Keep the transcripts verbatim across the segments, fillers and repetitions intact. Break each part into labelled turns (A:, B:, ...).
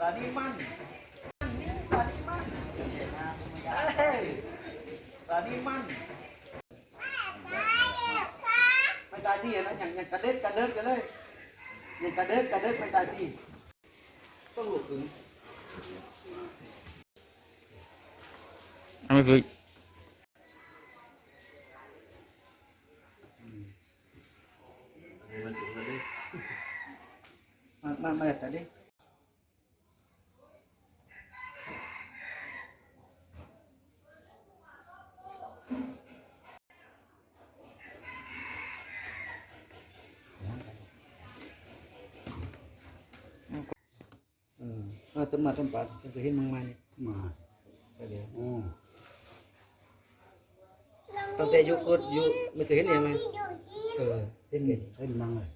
A: านี้มันปลานี้มันเฮ้ยปลานี้มันไม่ตายที่นะอย่างอย่างกระเด็ดกระเด็ดกันเลยอย่างกระเด็ดกระเด็ดไม่ตายที่ต้องหลุดถึง
B: ไม่ฝึก
A: มามามาแต่ดิมาต้นมาต้นปัดจะเห็นมังมันมาใช่เดียวตั้งแต่ยุคก็ยุคไม่เคยเห็นเลยมั้ยเออเห็นเลยเห็นมังเลย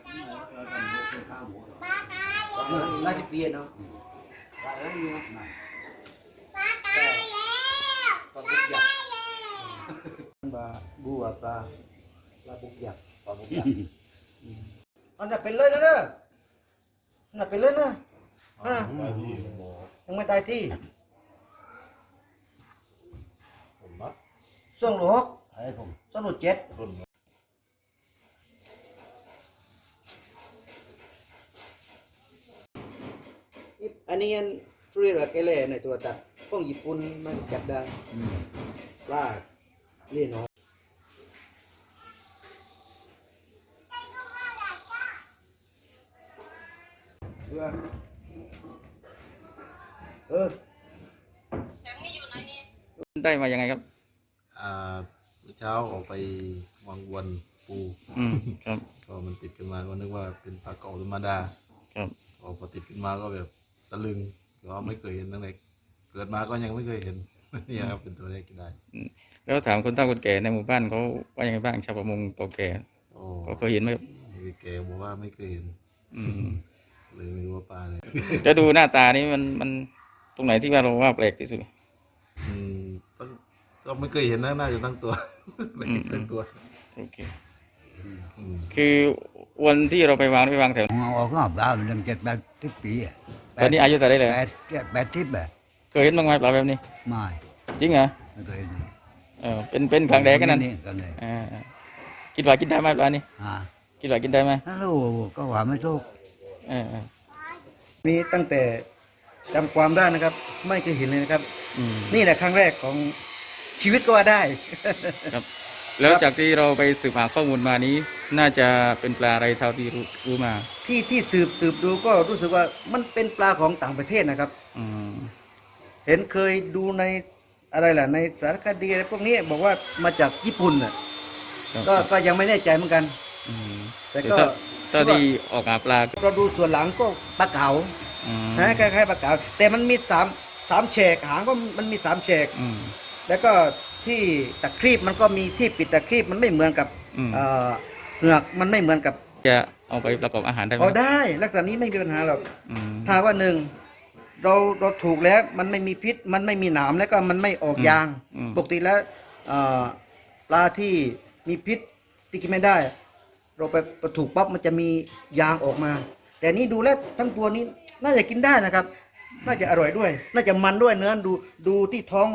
A: มามาที่เปียเนาะปลาอะไรอยู่นะปลาตายแล้วปลาบุกยักษ์ปลาบัวปลาปลาบุกยักษ์ปลาบุกยักษ์อันนั้นเป็นเลยนะเด้ออันนั้นเป็นเลยนะอ่ายังไม่ตายที่ส่วนหลวงส่วนหลวงเจ็ดอันนี้อันเรียกว่าแกเล่ในตัวตัดของญี่ปุ่นมันจับได้ปลาเลี้ยงน้อยเออ
B: ได้มายังไงครับ
C: อ่าเช้าออกไปวางวนปู
B: อืมครับ
C: ก็มันติดขึ้นมาก็นึกว่าเป็นปลาเก๋าธรรมดา
B: ครับ
C: พอติดขึ้นมาก็แบบตะลึงก็ไม่เคยเห็นตั้งแต่เกิดมาก็ยังไม่เคยเห็นนี่ครับเป็นตัวแรกที่ได้
B: แล้วถามคนเฒ่าคนแก่ในหมู่บ้านเขาว่ายังไงบ้างชาวประมงเก่าแก่เขาเคยเห็นไหม
C: แกบอกว่าไม่เคยเห็นเลยไม่รู้ว่าปลาเลย
B: จะดูหน้าตานี้มันมันตรงไหนที่ว่าเราว่าแปลกที่สุด
C: อืมก็ไม่เคยเห็นนะน่าจะตั้งตัวไม่ตั้งตัว
B: โอเคคือวันที่เราไปวางไปวางแถว
D: อ๋อก็ปลาเป็นเจ็ดแปดสิบปีอ่ะ
B: ตอนนี้อายุเท่าไรเลย
D: แปดแปดสิบแบบ
B: เคยเห็นบ้างไหมปลาแบบนี้
D: ไม่
B: จริงเหรอ
D: ไม่เคยเห็น
B: เออเป็นเป็นครั้งแรกกันนั่นอ่าคิดว่ากินได้ไหมปลานี้คิดว่ากินได้ไหม
D: รู้ก็ว่าไม่ถูก
B: เออ
A: มีตั้งแต่จำความได้นะครับไม่เคยเห็นเลยนะครับนี่แหละครั้งแรกของชีวิตก็ว่าได้
B: ครับแล้วจากที่เราไปสืบหาข้อมูลมานี้น่าจะเป็นปลาอะไรเท่าที่รู้รู้มา
A: ที่ที่สืบสืบดูก็รู้สึกว่ามันเป็นปลาของต่างประเทศนะครับเห็นเคยดูในอะไรล่ะในสารคดีอะไรพวกนี้บอกว่ามาจากญี่ปุ่นน่ะก็ก็ยังไม่แน่ใจเหมือนกัน
B: แต่ก็ตอนที่ออกหาปลา
A: เราดูส่วนหลังก็ปลาเก๋านะคล้ายๆปลาเก๋าแต่มันมีสามสามแฉกหางก็มันมีสามแฉกแล้วก็ที่ตะครีบมันก็มีที่ปิดตะครีบมันไม่เหมือนกับเหงือกมันไม่เหมือนกับ
B: จะเอาไปประกอบอาหารได้ไหม
A: อ๋อได้ลักษณะนี้ไม่มีปัญหาหรอกถ้าว่าหนึ่งเราเราถูกแล้วมันไม่มีพิษมันไม่มีหนามแล้วก็มันไม่ออกยางปกติแล้วปลาที่มีพิษที่กินไม่ได้เราไปถูกปั๊บมันจะมียางออกมาแต่นี้ดูแล้วทั้งตัวนี้น่าจะกินได้นะครับน่าจะอร่อยด้วยน่าจะมันด้วยเนื้อดูดูที่ท้อง